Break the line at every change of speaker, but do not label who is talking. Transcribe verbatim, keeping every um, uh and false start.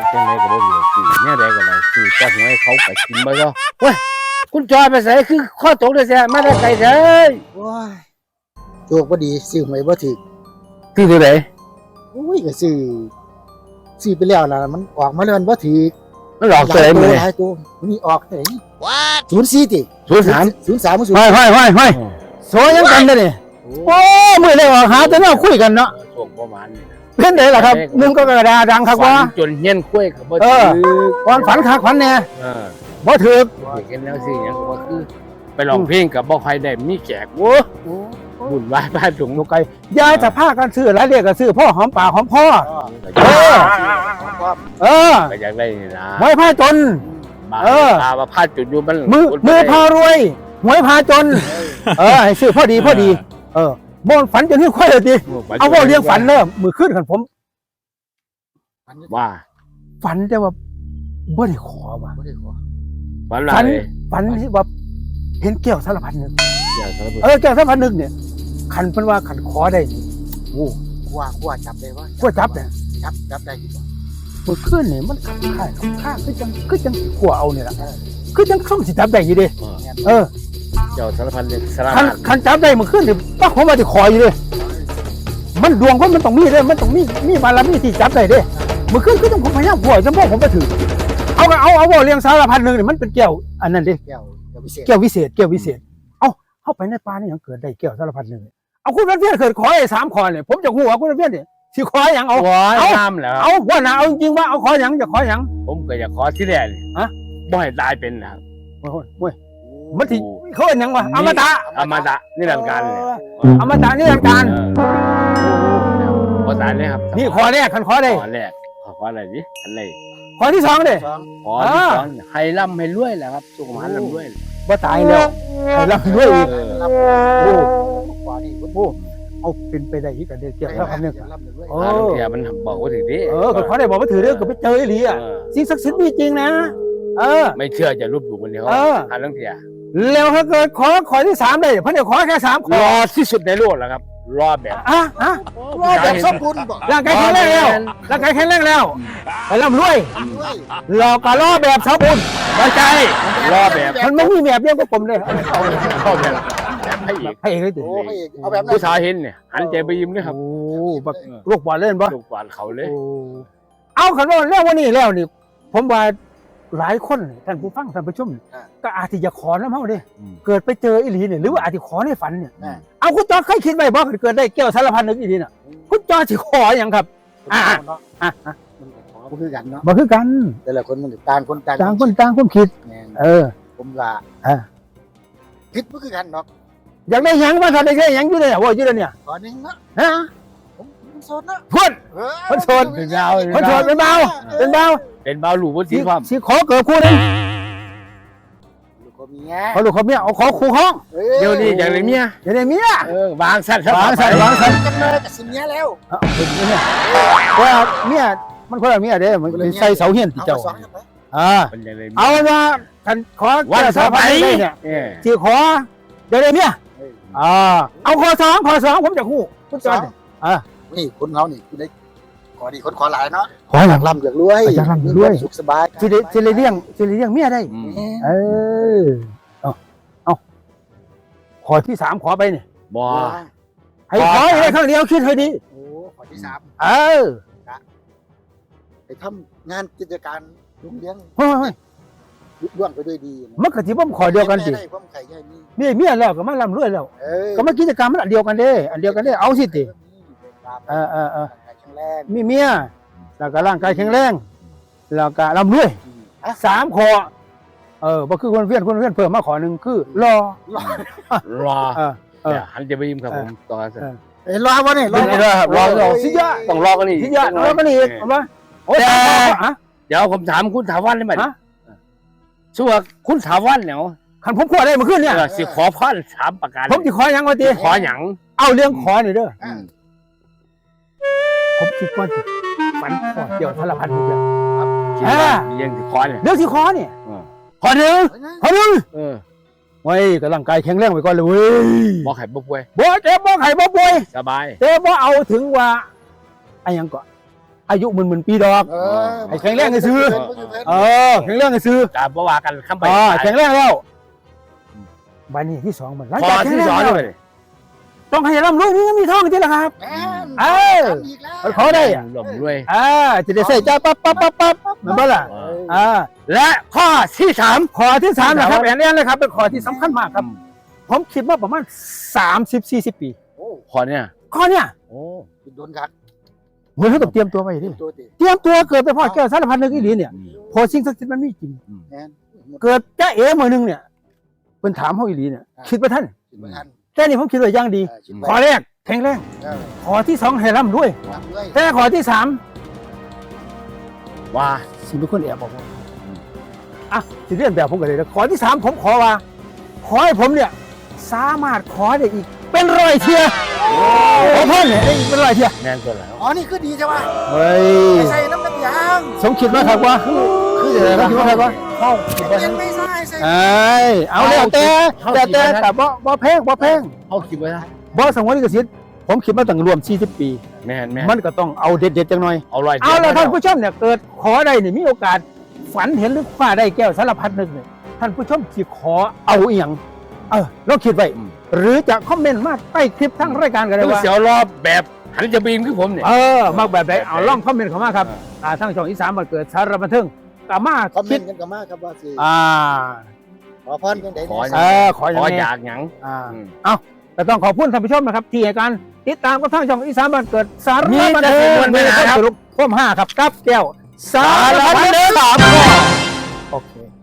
จังไดก็บ่เหลือซื้อเนี่ยใดก็ได้ซื้อแต่หวยเขาไปกินบ่เจ้าเว้ยคุณจอยไปไสคือข้อตกได้แซ่มาได้ไกลเด้อ
โอ้ยโชคบ่ดีซื้อหวยบ่ถูก
คือตัวไหน
โอ้ยก็ซื้อซื้อไปแล้วล่ะมันออกมาแล้วมันบ่ถูก
มันหลอกตัวไหนมื้อนี้
หลายตัวมันมีออกไหนศูนย์สี่ติ
ศูนย์สาม
ศูนย์สามศูน
ห้อย
ย์
ห้อยห้อยห้อยโซยังกันได้นี่โอ้มือเลยว่าหาแต่แนวคุยกันเนาะ
ช่วงประมาณนี้
เพิ่นได้ล่ะครับหนึ่งก็กระดาดังครับว่า
จนเฮียนคุยก็บ่
เอ
ถื
อ
อ
ก่อนฝันคักฝันแน่
เออ
บ่ถูก
เห็นแล้วสิหยังก็บ่คือไปร้องเพลงก็บ่ค่อยได้มีแขกโว้บุญวายบ้านถุง
ลูกไก่ยายจะพากันซื้อหลายเรียกก็ซื้อพ่อหอมปากหอมคอ
เออ
เออ
ก็อยากได้นี่นะ
หวยพาจน
บา
เออ
ตาว่าพาจุดอยู่มัน
มือมือพารวยหวยพาจน เออให้ซื้อพอดีพอดี เออบ่ฝันจนที่ค่อยเลยดิเอาว่าเลี้ยงฝันเด้อมือขึ้นกันผม
ว่า
ฝันแต่ว่าบ่ได้ขอว่ะ
บ่ได้ขอ
วันไหน
ฝันฝันที่ว่าเห็นแก้วสารพัดนึก
อยากสารพัด
เออแก้วสารพัดนึกเนี่ยขันเป็นว่าขันขอได้นี่โอ้
กว่าว่าจับได้ว่า
ขั้วจับเนี่ย
จับจับได้กี่บ่
มือขึ้นนี่มันขับข่ายขับข้างคือจังคือจังสิขั้วเอาเนี่ยล่ะคือจังเข้าสิจับได้อยู่เดิเออ
เจ้าสารพัดเลยสาร
ขั
พั
น
ด
ขันจับได้มือขึ้นนี่ป้าผมว่าจะขออยู่เลยมันดวงคนมันต้องมีเด้มันต้องมีมีบารมีที่จับได้เด้มือขึ้นคือต้องผมพยายามขั้วจนพวกผมไปถือเอาก็เอาเอาว่าเลี้ยงสารพัดนึงนี่มันเป็นแก้วอันนั้นเด้
แก้วแก้วพิเศษ
แก้ววิเศษแก้ววิเศษ เอาเข้าไปในป่านี่ยังเกิดได้แก้วสารพัดหนึ่งเอาคุณเพี้ยนเกิดขอไอ้สามขอเนี่ยผมจะหัวคุณเพี้ยนเนี่ยสิขออย่างเอา
ขอ
เอา
น้ำแล้ว
เอาว่านะเอาจริงว่าเอาขออย่างจะขออย่าง
ผมก็อยากขอที่แรกนี่
ฮะ
บ่ให้ตายเป็นนะ
โอ้ยโอ้ยมันที่เขาเป็นยังวะอมตะ
อมตะนี่หลักการเลย
อมตะนี่ทางการ
ขอตายเลยครับ
นี่ขอแรกขันขอได้
ขอแรกขอขออะไรดิอะไร
ขอที่สองเด้
สอง
ขอที่สองให้ร่ำให้รวยแหละครับสุขภาพร่ำรวย
ว่าตายแล้วให้รับด้วยอีก
รับ
โอ้
กว่านี่
โหเอาเป็นไปได้อีกกันเดียวแก้วสารพัดหนึ่ง
รับเลย
โอ้
อ่าบางทีมันบอกว่าถึงดิ
เออขอได้บอกว่าถือเรื่องก็ไปเจอไอ้หลีอ่ะ
เออ
สิ่งศักดิ์สิทธิ์มีจริงนะ เออ
ไม่เชื่อจะรูปดูมันเดียว
เออ
หาเรื่องเถีย
แล้วถ้าเกิดขอขอที่สามได้เพราะเดี๋ยวขอแค่สามข
ร
อ
อที่สุดในโลกแล้วครับ รอแบบ
อ่ะอ่ะ
ว่าแบบสมบูรณ์บ่
ร่างกายแข็งแรงแล้วร่างกายแข็งแรงแล้วไปร่ำรวย
ด้วย
เราก็รอแบบสมบูรณ์
ไว้ใจรอแบบ
มันไม่มีแบบเดียวกับผมเลย
เอาเข้าแบบแบบให้อีก
ให้เองเลยติ
โอ้พระเอกเอาแบบนั้น
ผู้ชายเห็นเนี่ยหันใจไปยิ้มเลยครับ
โอ้บักลูกบอลเล่นปะ
ลูกกวาดเขาเลย
โอ้เอาขันว่าแล้ววันนี้แล้วนี่ ผมว่าหลายคนท่านผู้ฟังท่านผู้ชมก็อาจจะขอน้ำเฮาเด้เกิดไปเจออีหลีเนี่ยหรือว่าอาจจะขอในฝันเนี่ยเอาคุณจอเคยคิดไว้บ่เกิดได้แก้วสารพัดนึกอีหลีน่ะคุณจอสิขออย่างครับ อ่า
เนาะ
อ่ะอ่ะ
มันก็ขอบ่คือกันเนาะ
บ่คือกัน
แต่ละคนมันต่างคนต่าง
ต่างคนต่างความคิด
แม่น
เออ
ผมว่า
อ่ะ
คิดบ่คือกันเนาะ
อยากได้หยังว่าถ้าได้แค่หยังอยู่เลยว่าอยู่เลยเนี่ย
ขอหนึงเนาะ
ฮะ
ผมผมโสดเนาะ
พูด
เออ
คนโสด
เป็นดาว
คนโสดเป็นเบาเป็นเบา
เป็นเบาหลูบน
สิ
สีความ
สิขอเกิดคู่หนึง
ลูกก็เมีย
ขอลูกขอเมียเอาขอคู่ห้อง
ออ
เดี๋ยวนี้อย่างไรเมีย
อย่าได้เมีย
เออวางสั้น
วางสั้นวางสั้น
กันเลยกับสิเมียแล้ว
เอาเป็นเมียว่าเมียมันคนละเมียเด้มันเป็นใส่เสาเฮียนที่
เอา
เจ้า
มาสองกันไป
อ่า
เป็นอย่างไรเมีย
เอาว่าคันขอ
วัน
แก้ว
ส
สาร
บา
พัด
ย
นึกเนี่ย
เออ
สิขอเดี๋ยวได้เมีย
เออ
อ่าเอาขอสองขอสองผมจะคู่คุณจ
ส
อ
อน งนี่คนเขานี่คือได้ขอดีคนขอหลายเนาะ
ขอหลัง
ร่ำอยากรวย
อยากร่ำอยากรวย
มีคมสุขสบาย
สิได้สิได้เลี้ยงสิได้เลี้ยงเมียได้
อืม
เออเอาเอาขอที่สามขอไปนี่
บ่
ให้ขอให้ได้ครั้งเดียวคิดให้ดี
โอ้ขอที่สาม
เออ
ไปทำงานกิจการลุงเลี้ยง
เฮ้ยเฮ้ย
ลุล่วงไปด้วยดีนะ
มันก็สิบ่ขอเดียวกันสิ
ได้ความไข่ใหญ่นี่
มีเมียแล้วก็มาร่ำรวยแล้ว
เออ
ก็มากิจกรรมมันอันเดียวกันเด้ อันเดียวกันเด้เอาสิติเออเออเออ
แข็งแรง
มีเมียแล้วก็ร่างกายแข็งแรงแล้วก็ร่ำรวย
อ่ะ
สามขอเออบ่คือคนเพี้ยนคนเพี้ยนเพิ่มมาขอหนึ่งคือรอ
รอ
เออเออ
เดี๋ยวหันจะไปยิ้มครับผมตอนนั้น
เออ
เอ้ยรอวะเนี่ยรอ
ไม่ได้ครับรอรอ
สิยะ
ต้องรอกันอีก
ที่ยะรอกันอีกเอามาโอ้ย
แต่
ฮะ
เดี๋ยวผมถามคุณถาวันได้ไหม
ฮะ
ชัวาคุณถาวันเนี่ย
คันผมขอได้เมื่อคืนเนี่ย
เออสิขอพรสามประการ
ผมสิขอหยังวะติ
ขอหยัง
เอาเรื่องขอนี่เด้อ
อ่ะ
ผมคิดว่าสิฝันขอเกี่ยวสารพัดทุกอย่าง
คิดว่ามียังสิขอเนี่ย
เรื่องที่ขอเนี่ย
ขอหนึ่ง
ขอหนึ่ง
เออ
ไว้กับร่างกายแข็งแรงไว้ก่อนเลยเว้ย
บอกไข่บ่ป่วย
บ่เจ็บบ่ไข้บ่ป่วย
สบาย
แต่บ่เอาถึงว่าไอ้หยังก่อนอายุหมื่นๆปีดอก
เออ
ให้แข็งแรงให้ซื้อ เออแข็งแรงให้ซื้อก
าบ่ว่ากันคำไป
อ่าแข็งแรงแล้วบัดนี้ที่สองมันหลัง
ข้อ
จากแข็ง
ที่
แรง
สอง
แล้ว
เลย
ต้องให้ร่ำรวยมีเงินมีทองจริงๆล่ะครับ
แม่น
เออ
ทำอีกแล้ว
ขอได้อ่ะ
หล่มด้วย
อ่าจะได้ใส่ใจปั๊บปั๊บปั๊บปั๊บเหมือนบ้าล่ะอ่า
และข้อที่สาม
ข้อที่สามนะครับ
ครับ
แอนแอนเลยครับเป็นข้อที่สำคัญมากครับ ผมคิดว่าประมาณสามสิบสี่สิบปี
โอ้
ข้อเนี่ย
ข้อเนี้ย
โอ้
โดนกัด
เหมือนเขาต้องเตรียมตัวไว้ดิ
ตัวติ
เตรียมตัวเกิดไปพ่อแก้วสารพันนึกอีหลีเนี่ย
อืม
พอสิ่งศักดิ์สิทธิ์มันมีจริง
แม่น
เกิดจ้าเอ๋มือหนึงเนี่ยเป็นถามเขาอีหลีเนี่ย คิดว่าท่าน
คิดว่าทัน
แต่นี่ผมคิดว่าอย่างดี
เออคิด
ข้อ
ว่า
แรกแข็งแรง
เออ
ข้อที่สองให้ร่ำรวย
ทำด้วย
แต่ข้อที่สาม
ว่า
สิเป็นคนแอบบอกผมอ่ะสิเรียนแบบผมกันเลยนะข้อที่สามผมขอว่า ขอให้ผมเนี่ย สามารถขอได้อีก เป็นร้อยเทียขอเพิ่มเนี่ยได้อีกเป็นร้อยเทีย
แน่นตัวแล้ว
อ๋อนี่คือดีใช่ไหม
เฮ้ย
ไม่ใส่น้ำมันยาง
สมคิดว่าครับว่าคือจะอะไรคิดว่าครับว่าเข้าคิดว่า
ยังไม่ใส่ใส่
เอ้ยเอาแล้วแต่แต่แต่แต่บ่บ่แพงบ่แพง
เขาคิดไว้นะ
บ่สงวนลิขสิทธิ์ผมคิดมาตั้งรวมสี่สิบปี
แม่นแม่น
มันก็ต้องเอาเด็ดๆจังหน่อย
เอาลอย
เอาแล้วท่านผู้ชมเนี่ยเกิดขอได้นี่มีโอกาสฝันเห็นหรือคว้าได้แก้วสารพัดนึกเนี่ยท่านผู้ชมสิขอเอาอีหยังเออลองคิดไว้หรือจะคอมเมนต์มาใต้คลิปทั้งรายการกันเล
แล้
ยว ว่า
เสียวรอบแบบหันจะบีมคือผมเนี่ย
เออมากแบบไหนเอาล่องคอมเมนต์เข้ามาครับอ่าทั้งช่องอีสานมาเกิดสารบันเทิงกามา
คอมเม
คิ
น
ด
ต์กันกันมากครับว่าสิ
อ่า
ขอพรกันได้
ขอ
เออขออย่าง
ขอ
นี้
อยากหยัง
อ่า
อืม
เอาแต่ต้องขอบคุณท่านผู้ชมนะครับที่ให้การติดตามกับทางช่องอีสานบ้านเกิดสาร
มี
บัน
แต่
เทิ
สิ่
ง
งมวลมหาครับ
สรุปพ่วมห้าครับกับแก้วสารพันเทิงสามข้อโอเค